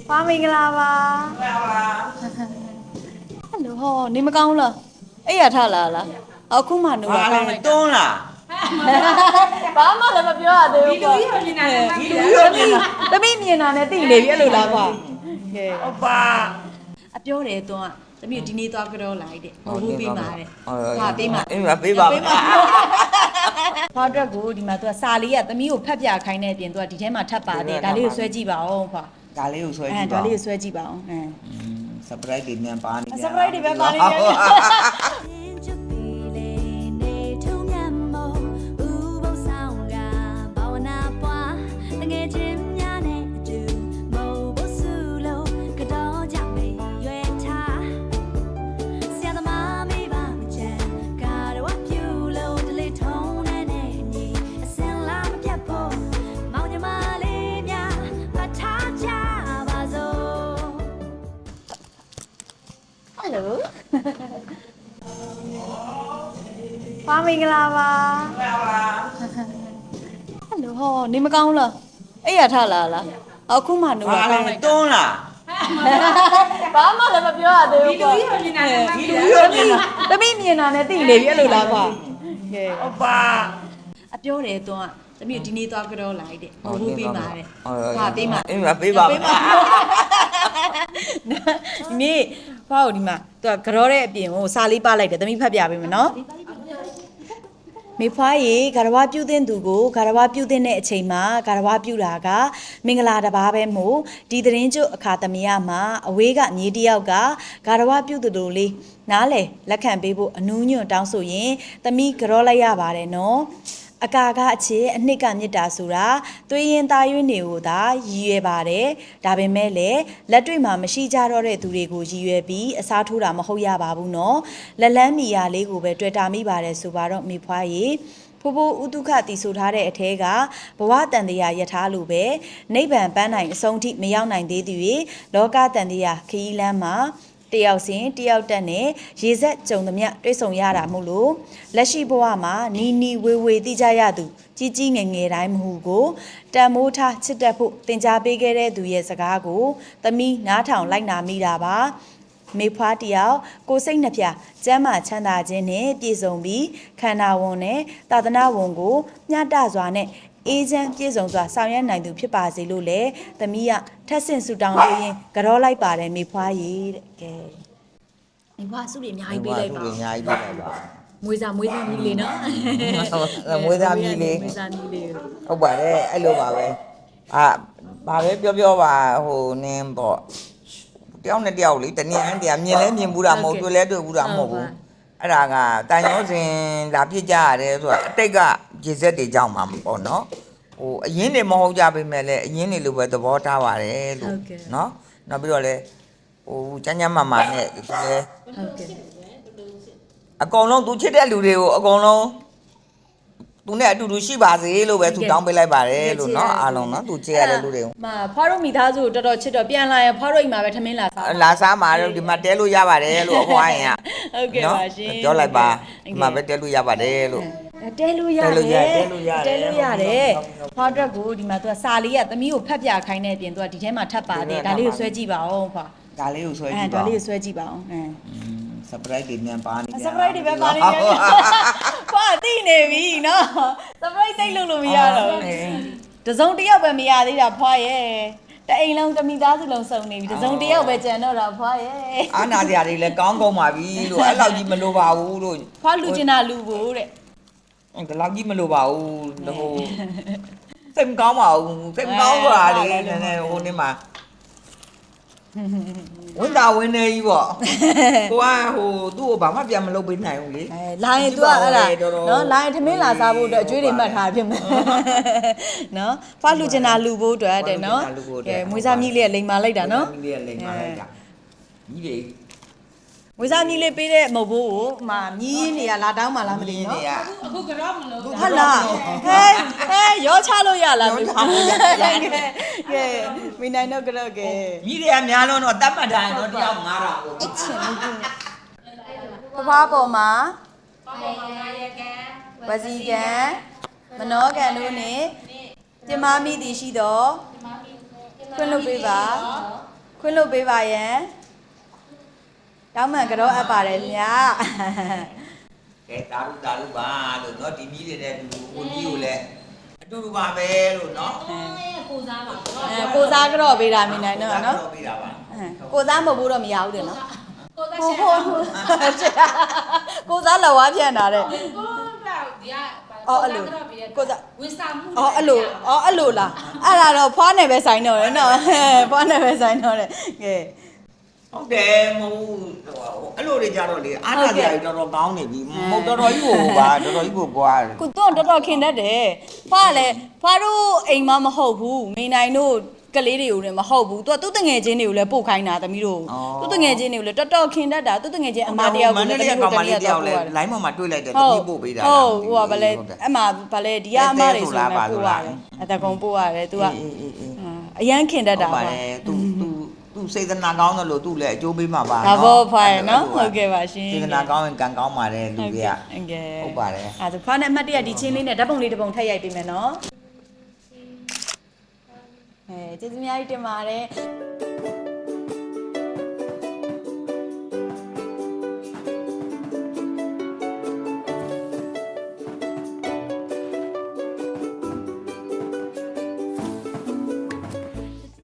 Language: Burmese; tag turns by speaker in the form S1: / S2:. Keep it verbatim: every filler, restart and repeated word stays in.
S1: ဖွားမင်္ဂလာပါဟယ်လိုဟောနေမကောင်းလားအဲ့ရထလာလားအခုမှနိုးတာကောင်းလိုက်
S2: တွန်းလား
S1: ဘာမှလည်းမပြောရသေးဘူးဒီလူကြီးမြင်တာနဲ့ဒီလူကြီးတမိမြင်တာနဲ့သိနေပြီအဲ့လိုလားကွာကဲ
S2: ဟုတ်ပါ
S1: အပြောတယ်တွန်းကတမိဒီနေ့သွားကြောလိုက်တဲ့ဟိုဘူးပေးပါတဲ့ဟာပေးပါ
S2: အေးပါပေးပါ
S1: ဖွားအတွက်ကိုဒီမှာသူကစာလေးကတမိကိုဖတ်ပြခိုင်းတဲ့အပြင်သူကဒီထဲမှာထပ်ပါတယ်ဒါလေးကိုဆွဲကြည့်ပါအောင်ဖွာ
S2: ဒါလေးကိုဆွဲကြည့်
S1: ပါဒါလေးကိုဆွဲကြည့်ပါအောင်အဲ
S2: surprise တွေမြန်ပါနေ
S1: ကြ surprise တွေပဲပါနေကြဖွားမင်္ဂလာပါဟယ်လိုဟောနေမကောင်းလားအဲ့ရထလာလားအခုမှနိုးတာကောင်းလိုက်
S2: တွန်းလား
S1: ဘာမှလည်းမပြောရသေးဘူးဒီလူကြီးမြင်တာနဲ့ဒီလူကြီးတမိမြင်တာနဲ့သိနေပြီအဲ့လိုလားကွာကဲ
S2: ဟုတ်ပါ
S1: အပြောတယ်တွန်းကတမိဒီနေ့သွားကြောလိုက်တဲ့ဟိုဘူးပေးပါတဲ့ဟာပေးပါ
S2: အေးပါပေးပါ
S1: ဒီနေ့ဖွားကိုဒီမှာသူကကြောတဲ့အပြင်ကိုစာလေးပလိုက်တယ်တမိဖတ်ပြပေးမယ်နော်မေဖွားရေဂါရဝပြုတဲ့သူကိုဂါရဝပြုတဲ့အချိန်မှာဂါရဝပြုတာကမင်္ဂလာတစ်ပါးပဲမို့ဒီသတင်းကျုပ်အခါသမယမှာအဝေးကမြေတယောက်ကဂါရဝပြုသူတို့လေးနားလေလက်ခံပေးဖို့အနူးညွန့်တောင်းဆိုရင်သမီးကြောလိုက်ရပါတယ်နော်အကာကအချစ်အနှစ်ကမြစ်တာဆိုတာသွေးရင်သားရွေးနေကိုသာရည်ရွယ်ပါတယ်ဒါပေမဲ့လည်းလက်တွေ့မှာမရှိကြတော့တဲ့သူတွေကိုရည်ရွယ်ပြီးအစားထိုးတာမဟုတ်ရပါဘူးနော်လက်လန်းမီယာလေးကိုပဲတွေ့တာမိပါတယ်ဆိုပါတော့မိဖွားရေဖိုးဖိုးဥတုခတီဆိုထားတဲ့အထဲကဘဝတန်တရားယထာလိုပဲနိဗ္ဗာန်ပန်းနိုင်အဆုံးထိမရောက်နိုင်သေးသူတွေလောကတန်တရားခရီးလမ်းမှာတယောက်စဉ်တယောက်တက်နဲ့ရေဆက်ကြုံသမျှတွဲဆုံရတာမို့လို့လက်ရှိဘဝမှာနီနီဝေဝေတိကြရသူကြီးကြီးငယ်ငယ်တိုင်းမဟုကိုတန်မိုးထားချစ်တတ်ဖို့သင်ကြားပေးခဲ့တဲ့သူရဲ့စကားကိုသမီးနားထောင်လိုက်နာမိတာပါမေဖွားတယောက်ကိုစိတ်နှပြကျမ်းမာချမ်းသာခြင်းနဲ့ပြည့်စုံပြီးခန္ဓာဝန်နဲ့သာသနာဝန်ကိုမျှတစွာနဲ့အေးချမ်းပြည့်စုံစွာဆောင်ရွက်နိုင်သူဖြစ်ပါစေလို့လေသမီးကထက်ဆင့်ဆူတောင်းလို့ရင်ကြောလိုက်ပါတယ်မေဖွားရေတဲ့ကဲမေဖွားစုတွေအများကြီးပေးလိုက်ပါ
S2: စုတွေအများကြီးပေးလိုက်ပါ
S1: မွေးစားမွေးစားမီးလေးနော်
S2: မွေးစားမီးလေး
S1: မွေးစားမီးလေး
S2: ဟုတ်ပါတယ်အဲ့လိုပါပဲအာဘာပဲပြောပြောပါဟိုနင်းပေါ့တယောက်နဲ့တယောက်လေတနည်းအားတရားမြင်လဲမြင်ဘူးတာမဟုတ်တွေ့လဲတွေ့ဘူးတာမဟုတ်ဘူးအဲ့ဒါကတန်ရောစင်လာပြစ်ကြရတယ်ဆိုတာအတိတ်ကရေစက်တွေကြောင့်မှာပေါ့နော်ဟိုအရင်တွေမဟုတ်ကြပေမဲ့လည်းအရင်တွေလိုပဲသဘောထားပါတယ်လို့နော်နောက်ပြီးတော့လည်းဟိုကျန်းကျန်းမာမာနဲ့ဒီလေဟုတ်ကဲ့အကုန်လုံးသူချစ်တဲ့လူတွေကိုအကုန်လုံးသူနဲ့အတူတူရှိပါစေလို့ပဲသူတောင်းပေးလိုက်ပါတယ်လို့နော်အားလုံးနော်သူချစ်ရတဲ့လူတွေကို
S1: မဖွားတို့မိသားစုကိုတော်တော်ချစ်တော့ပြန်လာရင်ဖွားတို့အိမ်မှာပဲထမင်းလာစား
S2: လာစားမှာတော့ဒီမှာတဲလို့ရပါတယ်လို့အဖွားရင်
S1: ကဟုတ်ကဲ့ပါရှင်
S2: ပြောလိုက်ပါဒီမှာပဲတဲလို့ရပါတယ်လို့
S1: တဲလို့ရတယ်တဲလို့ရတယ်တဲလို့ရတယ်ဖွားအတွက်ကိုဒီမှာသူကစာလေးကသမီးကိုဖတ်ပြခိုင်းတဲ့အပြင်သူကဒီထဲမှာထပ်ပါတယ်ဒါလေးကိုဆွဲကြည့်ပါအောင်ဖွား
S2: ဒါလေးကိုဆွဲကြည့်
S1: ပါဒါလေးကိုဆွဲကြည့်ပါအောင်အဲ
S2: surprise တွေမြန်ပါနေကြ
S1: surprise တွေပဲပါနေကြဖွားသိနေပြီနော် surprise သိလို့လို့မရတော့တစုံတစ်ယောက်ပဲမရသေးတာဖွားရဲ့တအိမ်လုံးတမိသားစုလုံးစုံနေပြီတစုံတစ်ယောက်ပဲကြံတော့တာဖွားရဲ့
S2: အာနာစရာတွေလည်းကောင်းကောင်းပါပြီလို့အဲ့လောက်ကြီးမလိုပါဘူးလို့
S1: ဖွားလူကျင်တာလူဖို့တဲ့
S2: ဒီလောက်ကြီးမလိုပါဘူးဟိုစိတ်မကောင်းပါဘူးစိတ်မကောင်းဆိုတာလေနည်းနည်းဟိုနေ့မှာဝန်တာဝင်နေကြီးပေါ့ကိုကဟိုသူ့ကိုဘာမှပြန်မလုပ်ပေးနိုင်ဘူးလေ
S1: အဲလာရင် तू ကအဲ့ဒါနော်လာရင်ထမင်းလာစားဖို့အတွက်အကျွေးတွေမှတ်ထားဖြစ်မယ်နော်ဖွားလူကျင်တာလူဖို့အတွက်တဲ့နော်ကဲမွေးစားမြည်လေးကလိန်မာလိုက်တာနော်
S2: မွေးစားမြည်လေးကလိန်မာလိုက်တာကြီးတွေ
S1: မွေးစားမြည်လေးပေးတဲ့မဟုတ်ဘူးကိုမှမြည်နေရလာတောင်းမှလားမသိဘူးနော်
S3: အခုကတော့မလို့
S1: ဟုတ်လားဟဲဟဲရောချလို့ရလားမသိဘူးကဲမိနိုင်တော့ကြောက်ကဲ
S2: ကြီးတွေကများလုံးတော့တတ်မှတ်ထားရင်တော့တယောက်ငါးတာကို
S1: အချင်းဖွားပေါ်မှာဝစီကံမနောကံတို့နဲ့ပြမမိသည်ရှိတော့ခွင့်လုပ်ပေးပါခွင့်လို့ပေးပါယံတောင်းမှန်ကတော့အပ်ပါတယ်မြတ်
S2: ကဲတာလူတာလူပါလို့เนาะဒီမီးတွေနဲ့အတူတူကိုကြီးကိုလည်းအတူတူပါပဲလို့เนาะ
S3: ကိုစားပါဘော
S1: အဲကိုစားကတော့ပေးတာမြင်နိုင်တော့နော်
S2: တော့ပေးတာပါ
S1: ကိုစားမဟုတ်ဘူးတော့မရဘူးတယ်နော်
S3: ကိုစား
S1: ဟို
S3: ရှ
S1: ဟို
S3: ယ်
S1: ကိုစားလော်ဝါးပြန်တာတဲ့
S3: ကိုတော့ဒီက
S1: အော်အဲ့လိုကိုစား
S3: ဝန်ဆောင်မှု
S1: အော်အဲ့လိုအော်အဲ့လိုလားအဲ့ဒါတော့ဖွားနယ်ပဲဆိုင်တော့တယ်နော်ဖွားနယ်ပဲဆိုင်တော့တယ်ကဲ
S2: ဟုတ်တယ်မဟုတ်အဲ့လိုတွေကြတော့လေအားနာကြရတော်တော်ကောင်းနေပြီမဟုတ်တော်တော်ကြီးကိုပါတော်တော်ကြီးကိုပွားတယ်
S1: ကိုတော့တော်တော်ခင်တတ်တယ်ဖွားလည်းဖွားတို့အိမ်မမဟုတ်ဘူးမိနိုင်တို့ကလေးတွေကိုလည်းမဟုတ်ဘူးသူကသူ့တငယ်ချင်းတွေကိုလည်းပို့ခိုင်းတာသမီးတို့သူ့တငယ်ချင်းတွေကိုလည်းတော်တော်ခင်တတ်တာသူ့တငယ်ချင်းအမတယောက်ကိုလည်းသမီးတို့တနည်းတော့ပို့ရတယ်
S2: လိုင်းပေါ်မှာတွေ့လိုက်တယ်တ
S1: ဟုတ်
S2: တိပို့ပေးတာ
S1: ဟုတ်ဟိုကဗလဲအမှဗလဲဒီကအမတွေဆိုလည်းပို့ရတယ်အတကုံပို့ရတယ်သူက
S2: အေးအေးအေး
S1: အရန်ခင်တတ်တာ
S2: ဟုတ်ပါ
S1: ပါ
S2: တယ်သူသူသူစေတနာကောင်းတယ်လို့သူလည်းအကျိုးပေးမှာပါ
S1: ဒါဘောဖိုင်နော်ဟုတ်ကဲ့ပါရှင်
S2: စေတနာကောင်းရင်ကံကောင်းပါတယ်လူတွေက
S1: ဟုတ်ကဲ့
S2: ဟုတ်ပါတယ်
S1: အဲဒါဖွားနဲ့အမှတ်တရဒီချင်းလေးနဲ့ဓာတ်ပုံလေးတစ်ပုံထည့်ရိုက်ပေးမယ်နော်အဲကျေးဇူးအများကြီးတင်ပါတယ်